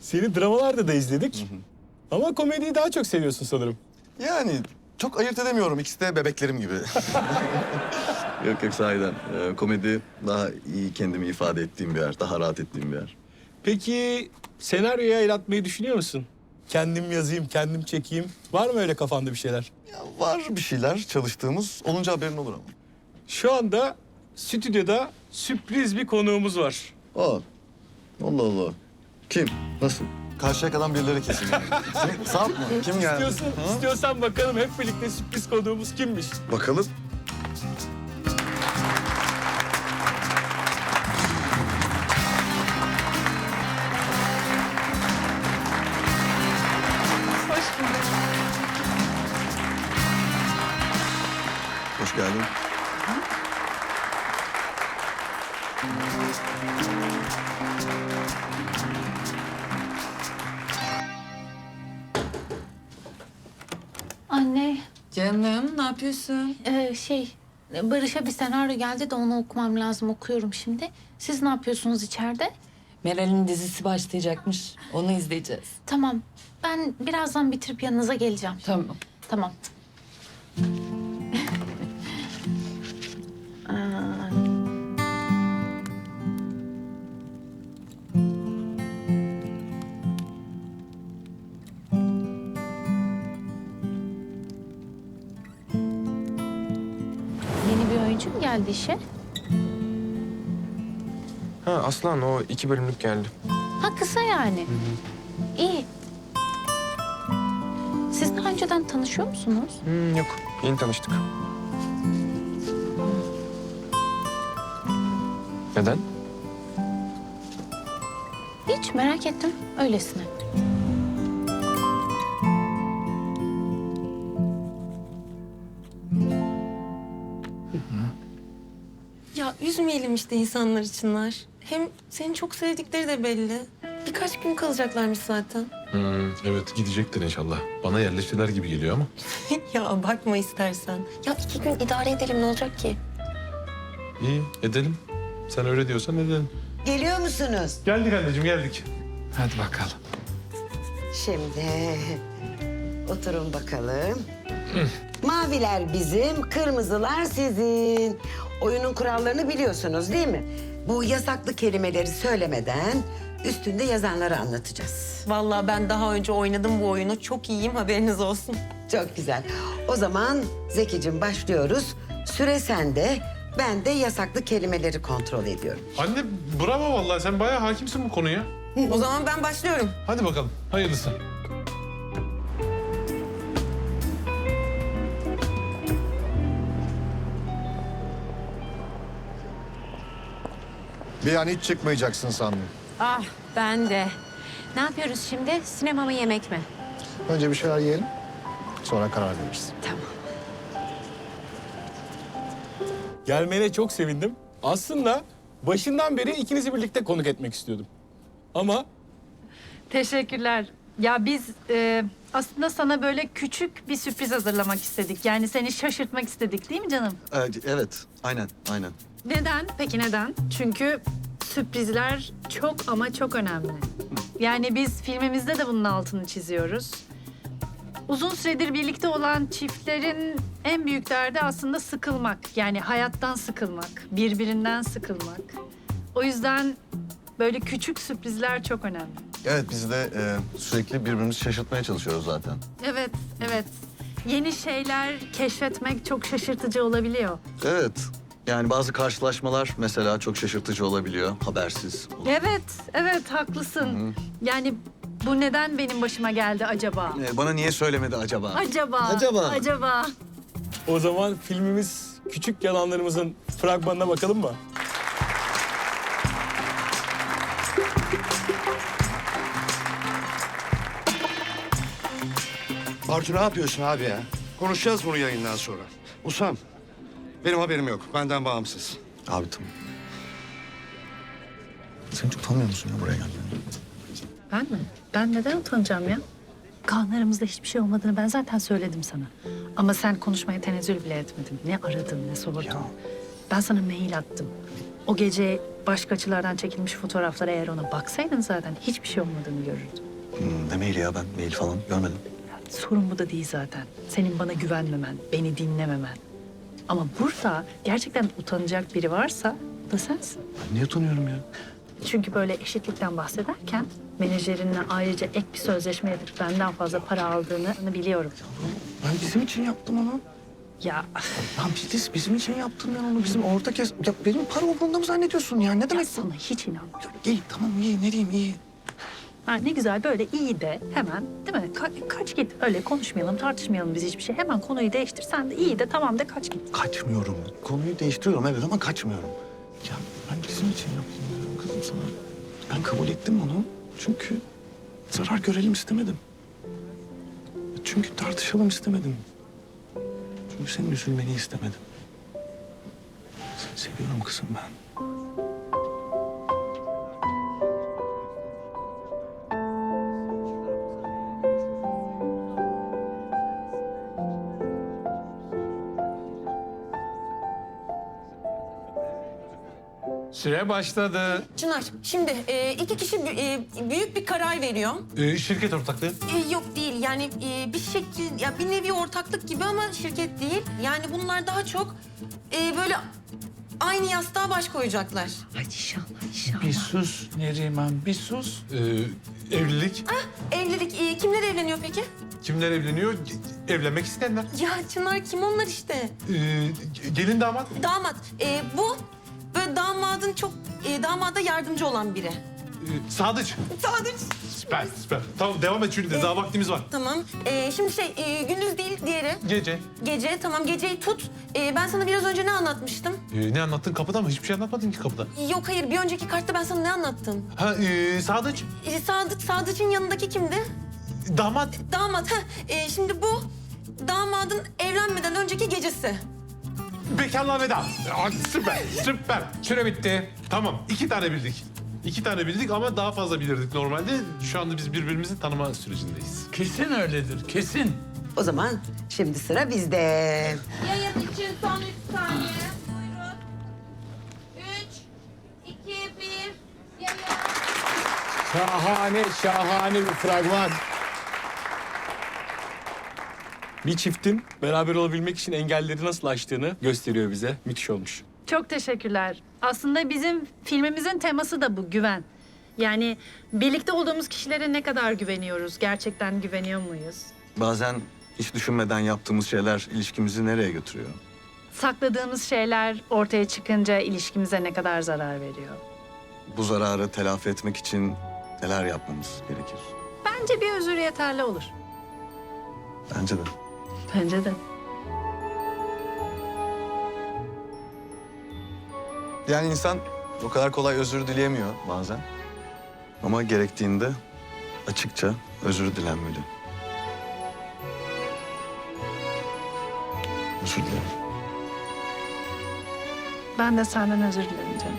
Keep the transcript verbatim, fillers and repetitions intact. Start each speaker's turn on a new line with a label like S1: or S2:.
S1: Seni dramalarda da izledik. Hı hı. Ama komediyi daha çok seviyorsun sanırım.
S2: Yani çok ayırt edemiyorum. İkisi de bebeklerim gibi. Yok yok sahiden. Ee, komedi daha iyi kendimi ifade ettiğim bir yer. Daha rahat ettiğim bir yer.
S1: Peki senaryoya el atmayı düşünüyor musun? Kendim yazayım, kendim çekeyim. Var mı öyle kafanda bir şeyler?
S2: Ya var bir şeyler çalıştığımız. Olunca haberin olur ama.
S1: Şu anda stüdyoda sürpriz bir konuğumuz var.
S2: Aa. Allah Allah. Kim? Nasıl? Karşıyakadan birileri kesin. Kim? Sarp mı? Kim geldi?
S1: İstiyorsan, istiyorsan bakalım hep birlikte sürpriz konuğumuz kimmiş?
S2: Bakalım.
S3: Hoş bulduk.
S2: Hoş geldin.
S4: Anne,
S3: Canım ne yapıyorsun?
S4: e, şey Barış'a bir senaryo geldi de onu okumam lazım. Okuyorum şimdi. Siz ne yapıyorsunuz içeride?
S3: Meral'in dizisi başlayacakmış. Onu izleyeceğiz.
S4: Tamam. Ben birazdan bitirip yanınıza geleceğim.
S3: Tamam.
S4: Tamam. Aa, Yeni bir oyuncu mu geldi işe?
S5: Ha Aslan o iki bölümlük geldi.
S4: Ha, kısa yani. İyi. Siz daha önceden tanışıyor musunuz?
S5: Hmm, yok yeni tanıştık. Neden?
S4: Hiç, merak ettim öylesine.
S6: Ya üzmeyelim işte insanlar içinler. Hem seni çok sevdikleri de belli. Birkaç gün kalacaklarmış zaten.
S7: Hmm, evet gidecektir inşallah. Bana yerleştiler gibi geliyor ama.
S6: Ya bakma istersen. Ya iki gün idare edelim ne olacak ki?
S7: İyi edelim. Sen öyle diyorsan edelim.
S8: Geliyor musunuz?
S7: Geldik anneciğim geldik.
S5: Hadi bakalım.
S8: Şimdi oturun bakalım. Maviler bizim, kırmızılar sizin. Oyunun kurallarını biliyorsunuz değil mi? Bu yasaklı kelimeleri söylemeden üstünde yazanları anlatacağız.
S6: Vallahi ben daha önce oynadım bu oyunu. Çok iyiyim haberiniz olsun.
S8: Çok güzel. O zaman Zekicim başlıyoruz. Süre sende. Ben de yasaklı kelimeleri kontrol ediyorum.
S7: Anne bravo vallahi sen bayağı hakimsin bu konuya.
S6: O zaman ben başlıyorum.
S7: Hadi bakalım hayırlısı.
S9: Bir an hiç çıkmayacaksın sandım.
S10: Ah ben de. Ne yapıyoruz şimdi? Sinema mı yemek mi?
S9: Önce bir şeyler yiyelim. Sonra karar veririz.
S10: Tamam.
S1: Gelmene çok sevindim. Aslında başından beri ikinizi birlikte konuk etmek istiyordum. Ama
S11: Teşekkürler. Ya biz e, aslında sana böyle küçük bir sürpriz hazırlamak istedik. Yani seni şaşırtmak istedik değil mi canım?
S2: Ee, evet, aynen, aynen.
S11: Neden? Peki neden? Çünkü sürprizler çok ama çok önemli. Yani biz filmimizde de bunun altını çiziyoruz. Uzun süredir birlikte olan çiftlerin en büyük derdi aslında sıkılmak. Yani hayattan sıkılmak, birbirinden sıkılmak. O yüzden böyle küçük sürprizler çok önemli.
S2: Evet, biz de e, sürekli birbirimizi şaşırtmaya çalışıyoruz zaten.
S11: Evet, evet. Yeni şeyler keşfetmek çok şaşırtıcı olabiliyor.
S2: Evet, yani bazı karşılaşmalar mesela çok şaşırtıcı olabiliyor, habersiz.
S11: Evet, evet haklısın. Yani bu neden benim başıma geldi acaba?
S2: Ee, bana niye söylemedi acaba?
S11: Acaba,
S2: Acaba.
S11: acaba.
S1: o zaman filmimiz Küçük Yalanlarımızın fragmanına bakalım mı?
S12: Artu ne yapıyorsun abi ya? Konuşacağız bunu yayından sonra. Usam, benim haberim yok. Benden bağımsız.
S2: Abi tamam. Sen hiç utanmıyor musun ya buraya geldiğinde?
S11: Ben mi? Ben neden utanacağım ya? Kaanlarımızda hiçbir şey olmadığını ben zaten söyledim sana. Ama sen konuşmaya tenezzül bile etmedin. Ne aradın, ne sordun. Ben sana mail attım. O gece başka açılardan çekilmiş fotoğraflara eğer ona baksaydın zaten hiçbir şey olmadığını görürdün.
S2: Hmm, ne maili ya, ben mail falan görmedim.
S11: Sorun bu da değil zaten. Senin bana güvenmemen, beni dinlememen. Ama burada gerçekten utanacak biri varsa o da sensin.
S2: Ben niye utanıyorum ya?
S11: Çünkü böyle eşitlikten bahsederken menajerinle ayrıca ek bir sözleşme yapıp benden fazla para aldığını biliyorum.
S2: Ben bizim için yaptım onu.
S11: Ya
S2: Ya biz, bizim için yaptım ben onu. Bizim ortak kes... Ya benim para umurumda mı zannediyorsun ya? Ne
S11: ya
S2: demek bu?
S11: sana hiç inanmıyorum.
S2: İyi tamam iyi ne diyeyim iyi.
S11: Ha, ne güzel böyle iyi de hemen değil mi? Ka- kaç git öyle konuşmayalım tartışmayalım biz hiçbir şey. Hemen konuyu değiştir sen de iyi de tamam de kaç git.
S2: Kaçmıyorum. Konuyu değiştiriyorum evet ama kaçmıyorum. Ya ben bizim için yaptım diyorum kızım sana. Ben kabul ettim onu. Çünkü zarar görelim istemedim. Çünkü tartışalım istemedim. Çünkü senin üzülmeni istemedim. Seni seviyorum kızım ben.
S7: Süre başladı.
S6: Çınar, şimdi e, iki kişi e, büyük bir karar veriyor.
S7: Ee, şirket ortaklığı.
S6: E, yok değil, yani e, bir şekil, ya bir nevi ortaklık gibi ama şirket değil. Yani bunlar daha çok e, böyle aynı yastığa baş koyacaklar.
S3: Hadi inşallah inşallah.
S7: Bir sus Neriman, bir sus. Ee, evlilik.
S6: Evlilik, e, kimler evleniyor peki?
S7: Kimler evleniyor? Ge- Evlenmek isteyenler.
S6: Ya Çınar, kim onlar işte?
S7: Ee, gelin damat.
S6: Damat, e, bu böyle damadın çok, e, damada yardımcı olan biri.
S7: Ee, Sadıç.
S6: Sadıç.
S7: Süper, süper. Tamam devam et çünkü daha vaktimiz var.
S6: Tamam, e, şimdi şey, e, gündüz değil diğeri.
S7: Gece.
S6: Gece, tamam geceyi tut. E, ben sana biraz önce ne anlatmıştım?
S7: Ee, ne anlattın kapıda mı? Hiçbir şey anlatmadın ki kapıda.
S6: Yok hayır, bir önceki kartta ben sana ne anlattım?
S7: Ha, ee, Sadıç.
S6: E, Sadıç, Sadıç'ın yanındaki kimdi?
S7: Damat.
S6: Damat. Heh. E, şimdi bu damadın evlenmeden önceki gecesi.
S7: Bekarlığa veda. Aa, süper, süper. Süre bitti. Tamam, iki tane bildik. İki tane bildik ama daha fazla bilirdik normalde. Şu anda biz birbirimizi tanıma sürecindeyiz.
S5: Kesin öyledir, kesin.
S8: O zaman şimdi sıra bizde.
S4: Yayın için son üç saniye. Buyurun. Üç, iki, bir. Yayın.
S1: Şahane, şahane bir fragman. Bir çiftin beraber olabilmek için engelleri nasıl aştığını gösteriyor bize. Müthiş olmuş.
S11: Çok teşekkürler. Aslında bizim filmimizin teması da bu güven. Yani birlikte olduğumuz kişilere ne kadar güveniyoruz? Gerçekten güveniyor muyuz?
S2: Bazen hiç düşünmeden yaptığımız şeyler ilişkimizi nereye götürüyor?
S11: Sakladığımız şeyler ortaya çıkınca ilişkimize ne kadar zarar veriyor?
S2: Bu zararı telafi etmek için neler yapmamız gerekir?
S11: Bence bir özür yeterli olur.
S2: Bence de.
S11: Bence de.
S2: Yani insan o kadar kolay özür dileyemiyor bazen. Ama gerektiğinde açıkça özür dilenmeli. Özür dilerim.
S11: Ben de senden özür dilerim canım.